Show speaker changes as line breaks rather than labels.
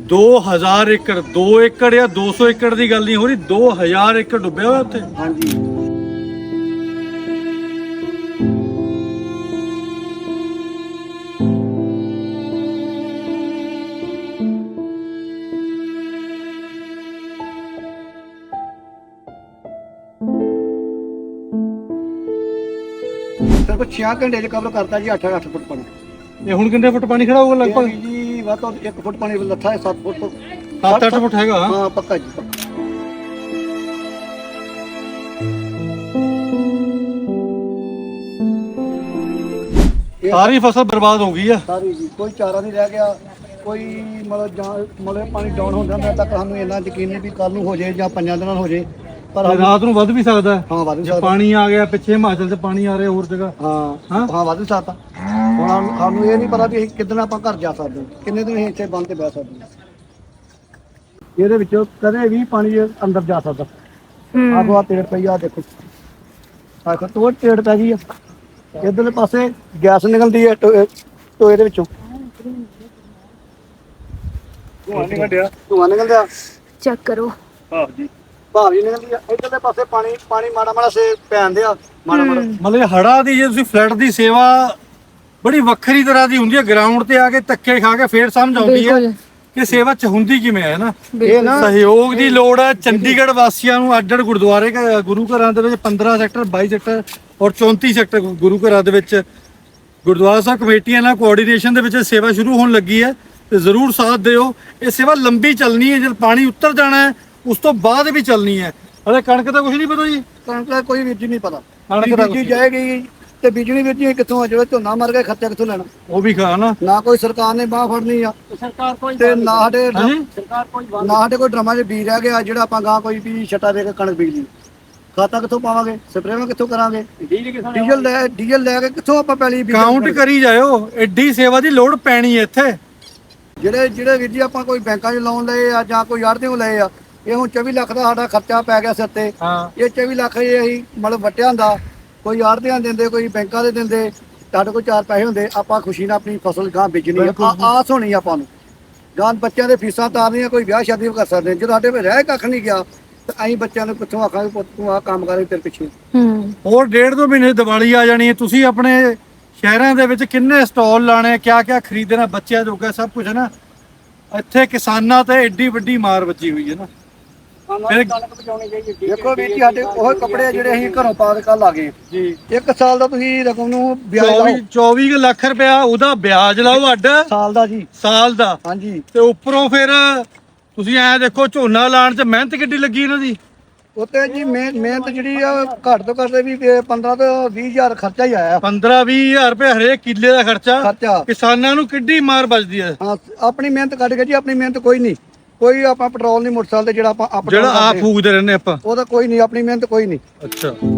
2000 ਏਕੜ 2 ਏਕੜ ਜਾਂ 200 ਏਕੜ ਦੀ ਗੱਲ ਨਹੀਂ ਹੋ ਰਹੀ, 2000 ਏਕੜ ਡੁੱਬਿਆ ਹੋਇਆ ਉੱਥੇ।
ਹਾਂਜੀ ਸਿਰਫ 6 ਘੰਟੇ ਚ ਕਵਰ ਕਰਤਾ ਜੀ 8 ਫੁੱਟ ਪਾਣੀ।
ਇਹ ਹੁਣ ਕਿੰਨੇ ਫੁੱਟ ਪਾਣੀ ਖੜਾ ਹੋਊਗਾ ਲਗਭਗ?
ਜੀ ਵੱਧ ਤੋਂ 1 ਫੁੱਟ ਪਾਣੀ ਲੱਥਾ ਹੈ, 7 ਫੁੱਟ ਤੋਂ
7-8 ਫੁੱਟ ਹੈਗਾ।
ਹਾਂ ਪੱਕਾ ਜੀ ਪੱਕਾ।
ਸਾਰੀ ਫਸਲ ਬਰਬਾਦ ਹੋ ਗਈ ਆ
ਸਾਰੀ ਜੀ, ਕੋਈ ਚਾਰਾ ਨਹੀਂ ਰਹਿ ਗਿਆ, ਕੋਈ ਮਤਲਬ ਪਾਣੀ ਡਾਊਨ ਹੁੰਦਾ ਮੈਂ ਤੱਕ ਸਾਨੂੰ ਇੰਨਾ ਯਕੀਨ ਨਹੀਂ ਵੀ ਕੱਲ ਨੂੰ ਹੋ ਜਾਏ ਜਾਂ 5 ਦਿਨਾਂ ਨੂੰ ਹੋ ਜਾਏ, ਪਰ
ਰਾਤ ਨੂੰ ਵੱਧ ਵੀ ਸਕਦਾ ਹੈ।
ਹਾਂ ਵੱਧ
ਜੇ
ਸਕਦਾ।
ਪਾਣੀ ਆ ਗਿਆ ਪਿੱਛੇ ਹਿਮਾਚਲ 'ਚ ਪਾਣੀ ਆ ਰਿਹਾ ਹੋਰ ਜਗ੍ਹਾ।
ਹਾਂ ਵੱਧ ਸਕਦਾ। ਹੁਣ ਸਾਨੂੰ ਇਹ ਨਹੀਂ ਪਤਾ ਵੀ ਅਸੀਂ ਕਿੱਦਣ ਆਪਾਂ ਘਰ ਜਾ ਸਕਦੇ, ਕਿੰਨੇ ਦਿਨ ਅਸੀਂ ਇੱਥੇ ਬੰਦ ਤੇ ਬਹਿ ਸਕਦੇ। ਇਹਦੇ ਵਿੱਚੋਂ ਕਦੇ ਵੀ ਪਾਣੀ ਅੰਦਰ ਜਾ ਸਕਦਾ। ਆਖੋ ਆ ਤੇੜ ਪਈ ਆ, ਦੇਖੋ ਆਖੋ ਤੋੜ ਤੇੜ ਪੈ ਗਈ ਆ। ਇਧਰਲੇ ਪਾਸੇ ਗੈਸ ਨਿਕਲਦੀ ਹੈ ਟੋਏ ਦੇ ਵਿੱਚੋਂ, ਧੂਆਂ ਨਿਕਲਦਾ
ਚੈੱਕ ਕਰੋ।
ਭਾਵ ਜੀ ਨਿਕਲਦੀ ਆ। ਇਧਰਲੇ ਪਾਸੇ ਪਾਣੀ ਮਾੜਾ ਮਾੜਾ ਸੇ ਪੈਂਦੇ ਆ, ਮਾੜਾ ਮਾੜਾ।
ਮਤਲਬ ਹੜਾ ਦੀ ਜੇ ਤੁਸੀਂ ਫਲੱਡ ਦੀ ਸੇਵਾ ਬੜੀ ਵੱਖਰੀ ਤਰ੍ਹਾਂ ਦੀ ਹੁੰਦੀ ਹੈ। ਗਰਾਊਂਡ ਤੇ ਆ ਕੇ ਧੱਕੇ ਖਾ ਕੇ ਫੇਰ ਸਮਝ ਆਉਂਦੀ ਹੈ ਕਿ ਸੇਵਾ ਚ ਹੁੰਦੀ ਕਿਵੇਂ ਹੈ ਨਾ।
ਇਹ ਨਾ
ਸਹਿਯੋਗ ਦੀ ਲੋੜ ਹੈ। ਚੰਡੀਗੜ੍ਹ ਵਾਸੀਆਂ ਨੂੰ ਅੱਡ-ਅੱਡ ਗੁਰਦੁਆਰੇ ਗੁਰੂ ਘਰਾਂ ਦੇ ਵਿੱਚ 15 ਸੈਕਟਰ 22 ਸੈਕਟਰ ਔਰ 34 ਸੈਕਟਰ ਗੁਰੂ ਘਰਾਂ ਦੇ ਵਿੱਚ ਗੁਰਦੁਆਰਾ ਸਾਹਿਬ ਕਮੇਟੀਆਂ ਨਾਲ ਕੋਆਰਡੀਨੇਸ਼ਨ ਦੇ ਵਿੱਚ ਸੇਵਾ ਸ਼ੁਰੂ ਹੋਣ ਲੱਗੀ ਹੈ ਤੇ ਜ਼ਰੂਰ ਸਾਥ ਦਿਓ। ਇਹ ਸੇਵਾ ਲੰਬੀ ਚੱਲਣੀ ਹੈ, ਜਦ ਪਾਣੀ ਉੱਤਰ ਜਾਣਾ ਹੈ ਉਸ ਤੋਂ ਬਾਅਦ ਵੀ ਚੱਲਣੀ ਹੈ। ਹਲੇ ਕਣਕ ਦਾ ਕੁਝ ਨਹੀਂ ਪਤਾ ਜੀ,
ਕਣਕ ਦਾ ਕੋਈ ਵੀਰ ਨਹੀਂ ਪਤਾ।
ਕਣਕ ਦਾ
ਬੀਜੀ ਜਾਏਗੀ ਤੇ ਬੀਜਣੀ ਵੀਰ ਕਿੱਥੋਂ ਆ ਜਾਵੇ, ਝੋਨਾ ਮਰ ਗਿਆ ਖਰਚਾ ਕਿੱਥੋਂ ਲੈਣਾ?
ਉਹ ਵੀ ਖਾ ਨਾ
ਕੋਈ ਸਰਕਾਰ ਨੇ ਬਾਹ ਫੜਨੀ ਆ, ਸਰਕਾਰ ਕੋਈ ਤੇ ਨਾ ਸਾਡੇ ਕੋਈ ਡਰਮਾਂ 'ਚ ਬੀਜ ਰਹਿ ਗਿਆ ਜਿਹੜਾ ਆਪਾਂ ਗਾਂ ਕੋਈ ਵੀ ਛੱਟਾ ਦੇ ਕੇ ਕਣਕ ਬੀਜ ਲਈ। ਖਾਤਾ ਕਿੱਥੋਂ ਪਾਵਾਂਗੇ, ਸਪਰੇਵਾਂ ਕਿੱਥੋਂ ਕਰਾਂਗੇ, ਡੀਜ਼ਲ ਲੈ ਕੇ ਕਿੱਥੋਂ ਆਪਾਂ ਪੈਲੀ
ਕਾਊਂਟ ਕਰੀ ਜਾਇਓ। ਐਡੀ ਸੇਵਾ ਦੀ ਲੋੜ ਪੈਣੀ ਹੈ ਇੱਥੇ।
ਜਿਹੜੇ ਵੀਰ ਜੀ ਆਪਾਂ ਕੋਈ ਬੈਂਕਾਂ 'ਚ ਲੋਨ ਲਏ ਆ ਜਾਂ ਕੋਈ ਆੜ੍ਹਤੀਓਂ ਲਏ ਆ, ਇਹ ਹੁਣ 24 ਲੱਖ ਦਾ ਸਾਡਾ ਖਰਚਾ ਪੈ ਗਿਆ ਸਿਰ ਤੇ। ਇਹ 24 ਲੱਖ ਇਹ ਅਸੀਂ ਮਤਲਬ ਵਟਿਆ ਹੁੰਦਾ, ਕੋਈ ਆੜ੍ਹਤੀਆਂ ਦਿੰਦੇ, ਕੋਈ ਬੈਂਕਾਂ ਦੇ ਦਿੰਦੇ, ਸਾਡੇ ਕੋਲ 4 ਪੈਸੇ ਹੁੰਦੇ, ਆਪਾਂ ਖੁਸ਼ੀ ਨਾਲ ਆਪਣੀ ਫਸਲ ਗਾਂ ਬੀਜਣੀ ਆ। ਆਸ ਹੋਣੀ ਆਪਾਂ ਨੂੰ ਗਾਂ ਬੱਚਿਆਂ ਦੇ ਫੀਸਾਂ ਤਾਰਨੀਆਂ, ਕੋਈ ਵਿਆਹ ਸ਼ਾਦੀ ਵੀ ਕਰ ਸਕਦੇ। ਜਦੋਂ ਸਾਡੇ ਕੋਲ ਰਹਿ ਕੱਖ ਨਹੀਂ ਗਿਆ ਤੇ ਅਸੀਂ ਬੱਚਿਆਂ ਨੂੰ ਕਿੱਥੋਂ ਆਖਾਂਗੇ ਪੁੱਤ ਤੂੰ ਆਹ ਕੰਮ ਕਰੇ ਤੇਰੇ ਪਿੱਛੇ।
ਹੋਰ 1.5-2 ਮਹੀਨੇ ਦੀਵਾਲੀ ਆ ਜਾਣੀ ਹੈ। ਤੁਸੀਂ ਆਪਣੇ ਸ਼ਹਿਰਾਂ ਦੇ ਵਿੱਚ ਕਿੰਨੇ ਸਟਾਲ ਲਾਣੇ, ਕਿਆ ਖਰੀਦਣਾ ਬੱਚਿਆਂ ਜੋਗਾ ਸਭ ਕੁਝ ਹੈ ਨਾ। ਇੱਥੇ ਕਿਸਾਨਾਂ ਤੇ ਐਡੀ ਵੱਡੀ ਮਾਰ ਵੱਜੀ ਹੋਈ ਹੈ ਨਾ।
ਦੇਖੋ ਵੀਰ ਜੀ ਸਾਡੇ ਉਹ ਕੱਪੜੇ ਜਿਹੜੇ ਅਸੀਂ ਘਰੋਂ ਪਾ ਕੇ ਕੱਲ ਆ ਗਏ ਜੀ। 1 ਸਾਲ ਦਾ ਤੁਸੀਂ ਰਕਮ ਨੂੰ ਵਿਆਜ ਲਾਓ,
24 ਲੱਖ ਰੁਪਇਆ ਉਹਦਾ ਵਿਆਜ ਲਾਓ ਅੱਡ
ਸਾਲ ਦਾ ਜੀ,
ਸਾਲ ਦਾ।
ਹਾਂਜੀ
ਤੇ ਉੱਪਰੋਂ ਫਿਰ ਤੁਸੀਂ ਐ ਦੇਖੋ ਝੋਨਾ ਲਾਉਣ 'ਚ ਮਿਹਨਤ ਕਿੱਡੀ ਲੱਗੀ ਇਹਨਾਂ ਦੀ।
ਉੱਤੇ ਜੀ ਮਿਹਨਤ ਜਿਹੜੀ ਆ ਘੱਟ ਤੋਂ ਘੱਟ ਵੀ 15 ਤੋਂ 20 ਹਜ਼ਾਰ ਖਰਚਾ ਹੀ ਆਇਆ।
15-20 ਹਜ਼ਾਰ ਰੁਪਏ ਹਰੇਕ ਕਿੱਲੇ ਦਾ ਖਰਚਾ। ਕਿਸਾਨਾਂ ਨੂੰ ਕਿੱਡੀ ਮਾਰ ਵੱਜਦੀ ਹੈ।
ਹਾਂ ਆਪਣੀ ਮਿਹਨਤ ਕੱਢ ਕੇ ਜੀ, ਆਪਣੀ ਮਿਹਨਤ ਕੋਈ ਨਹੀਂ, ਕੋਈ ਆਪਾਂ ਪੈਟਰੋਲ ਨਹੀਂ ਮੋਟਰਸਾਈਕਲ ਤੇ ਜਿਹੜਾ ਆਪਾਂ
ਜਿਹੜਾ ਆਪ ਫੂਕਦੇ ਰਹਿੰਦੇ ਆਪਾਂ,
ਉਹਦਾ ਕੋਈ ਨਹੀਂ, ਆਪਣੀ ਮਿਹਨਤ ਕੋਈ ਨਹੀਂ।
ਅੱਛਾ